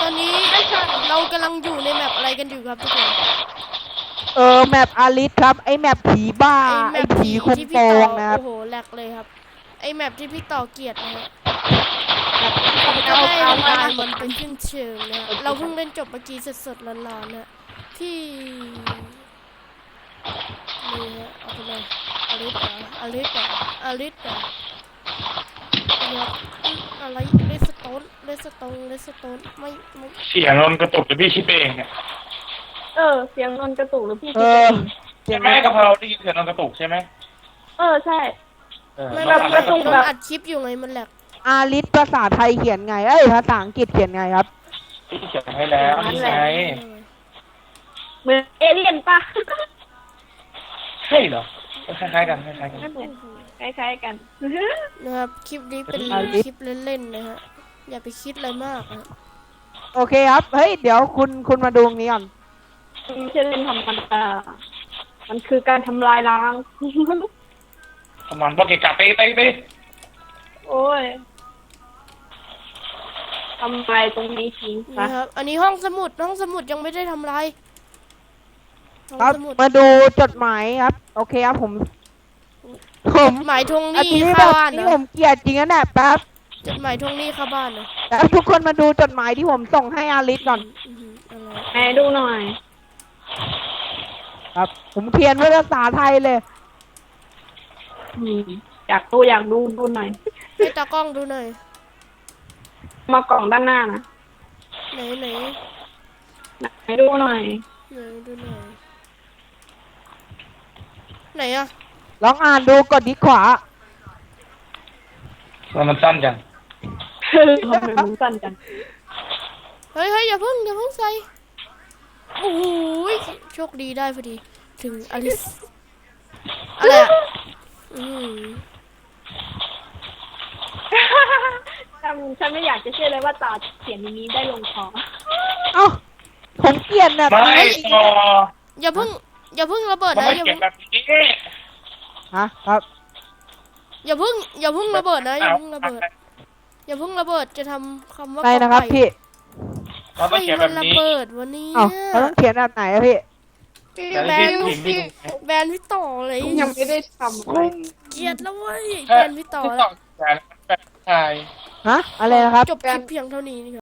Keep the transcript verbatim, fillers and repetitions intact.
ตอนนี้เรากำลังอยู่ในแมปอะไรกันอยู่ครับทุกคนเออแมปอาริสครับไอแมปผีบ้าไอแมไอปผีผีคุมที่โปพี่ต่องนะครับโอ้โหแหลกเลยครับไอแมปที่พี่ต่อเกลียดนะฮะเอาจะให้เอาทำเอาลายมันเป็นชิ้นเชิงนะฮะเราเพิ่งเล่นจบเมื่อกี้สดๆร้อนๆนะที่นี่ฮะเอาไปเลยอลิสเหรออลิสเหรออลิสเหรอเนี่ยอะไรเลสโตนเลสโตนเลสโตนไม่ไม่เสียงลมกระตุกหรือพี่คิดเองเนี่ยเออเสียงนนกระตุกหรือพี่เอคิดเออง เสียใช่งไหมกะเพราได้ยินเสียงลมกระตุกใช่ไหมเออใช่เออไม่แล้เราวเรากระตุกโดนอัดคลิปอยู่ไงมันแหลกอาริสภาษาไทยเขียนไงเอ้ยภาษาอังกฤษเขียนไงครับพี่เขียนให้แล้วนี่ไงเหมือนเอเลี่ยนปะใช่เหรอคล้ายๆกันคล้ายๆกันไม่เหมือนคล้ายๆกันนะครับคลิปนี้เป็นคลิปเล่นๆนะฮะอย่าไปคิดอะไรมากนะโอเคครับเฮ้ยเดี๋ยวคุณคุณมาดูตรงนี้ก่อนไม่ใช่เล่นธรรมดามันคือการทำลายล้างประมาณว่าเกะกะเตะเตะเตะโอ้ยทำลายตรงนี้ทิ้งซะนะครับอันนี้ห้องสมุดห้องสมุดยังไม่ได้ทำลายห้องครับสมุดมาดูจดหมายครับโอเคครับผมผมหมายทวงหอันนี้นี้แบเข้าบบ้านนี้นะผมเกลียดจริงนะเนี่ยแป๊บจดหมายทวงหนี้เข้าบ้านนะแล้วทุกคนมาดูจดหมายที่ผมส่งให้อาริสก่อนอือหืออะไรไหนดูหน่อยครับ ผมเขียนไว้ภาษาไทยเลยอืมอยากดูอยากดูดูหน่อยให้ตากล้องดูหน่อยมากล่องด้านหน้านะไหนไหนไหนดูหน่อยไหนดูหน่อยไหนอะลองอ่านดูกดที่ขวาแล้วมันสั้นจังทำไมมันสั้นจังเฮ้ยเฮ้ยอย่าเพิ่งอย่าเพิ่งใส่โอ้โหโชคดีได้พอดีถึงอลิสอะไรอะอืมฉันฉันไม่อยากจะเชื่อเลยว่าตาเขียนอย่างนี้ได้ลงคอเอ้าผมเกลียดแบบไม่นี้ต่ออย่าเพิ่งอย่าเพิ่งระเบิดมันนะไม่อย่าเขียเพิ่งนแบบนี้ฮะครับอย่าเพิ่งอย่าเพิ่งระเบิดนะอย่าเพิ่งระเบิดอย่าเพิ่งระเบิดจะทำคำว่าได้นะครับกอไก่พี่มันต้องเขียนให้แบมันบระนี้เบิดวันนี้เอ้าเขาต้องเขียนแบบไหนอะพี่แต่แบที่นผิดที่แบนพี่ต่อเลยยังไม่ได้ทำอะไรเกลียดแล้วเว้ยแบแค่นพี่ต่อที่แล้ต่อวแต่แบบชายฮะอะไรนะครับจบคลิปเพียงเท่านี้นี่ครับ